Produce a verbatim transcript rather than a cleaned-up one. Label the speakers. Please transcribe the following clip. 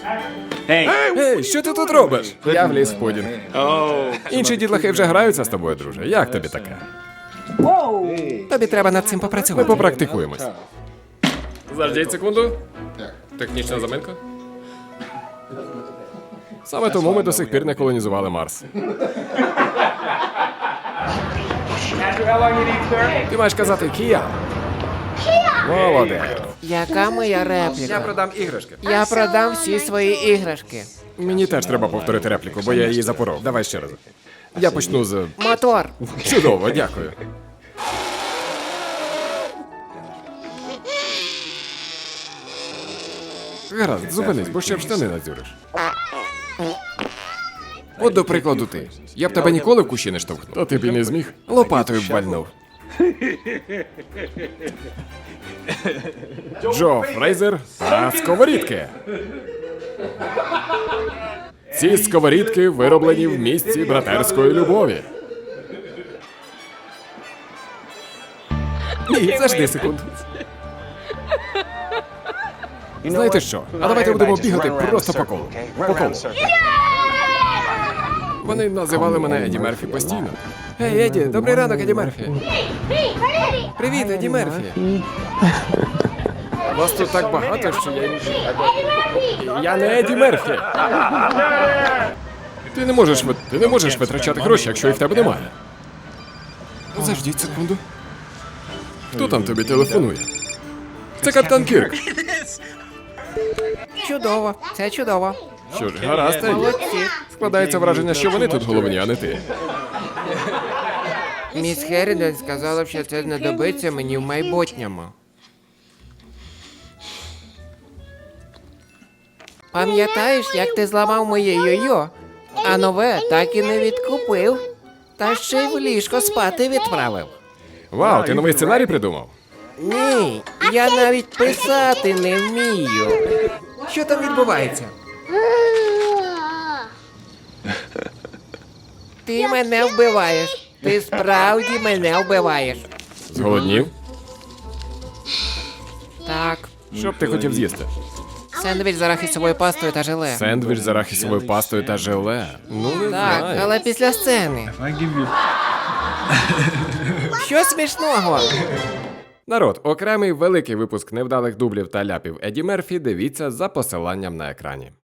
Speaker 1: Ей, що ти тут робиш? Я вліз в пудінг. Інші дітлахи вже граються з тобою, друже. Як тобі таке? Тобі треба над цим попрацювати. Ми попрактикуємось. Заждіть секунду. Технічна заминка. Саме тому ми до сих пір не колонізували Марс. Ти маєш казати Кія. Молодець.
Speaker 2: Яка моя
Speaker 1: Я
Speaker 2: репліка?
Speaker 1: продам іграшки.
Speaker 2: Я продам всі свої іграшки.
Speaker 1: Мені теж треба повторити репліку, бо я її запоров. Давай ще раз. Я почну з...
Speaker 2: Мотор.
Speaker 1: Чудово, дякую. Гаразд, зупинись, бо ще в штани надзюриш. От, до прикладу, ти. Я б тебе ніколи в кущі не штовхнув. Та ти б і не зміг. Лопатою б вальнув. Джо Фрейзер та сковорідки. Ці сковорідки вироблені в місці братерської любові. Ні, завжди секунду. Знаєте що? А давайте будемо бігати просто по колу. По колу. Вони називали мене Еді Мерфі постійно. Гей, Еді, добрий ранок, Еді Мерфі. Привіт, Еді Мерфі. Вас тут так багато, що я... Я не Еді Мерфі. Ти не можеш, ви- ти не можеш витрачати гроші, якщо їх в тебе немає. Заждіть секунду. Хто там тобі телефонує? Це капітан Кірк.
Speaker 2: Чудово. Це чудово.
Speaker 1: Що ж, гаразд, Еді.
Speaker 2: Молодці.
Speaker 1: Складається враження, що вони тут головні, а не ти.
Speaker 2: Міс Херрідон сказала, що це знадобиться мені в майбутньому. Пам'ятаєш, як ти зламав моє йо-йо, а нове так і не відкупив, та ще й в ліжко спати відправив.
Speaker 1: Вау, ти новий сценарій придумав?
Speaker 2: Ні, я навіть писати не вмію. Що там відбувається? Ти мене вбиваєш. Ти справді мене вбиваєш.
Speaker 1: Зголоднів?
Speaker 2: Так,
Speaker 1: Що б ти хотів з'їсти?
Speaker 2: сендвіч з арахісовою пастою та желе.
Speaker 1: Сендвіч з арахісовою пастою та желе. Ну, не
Speaker 2: Так,
Speaker 1: знаю.
Speaker 2: але після сцени. Що смішного?
Speaker 1: Народ, окремий великий випуск невдалих дублів та ляпів Еді Мерфі дивіться за посиланням на екрані.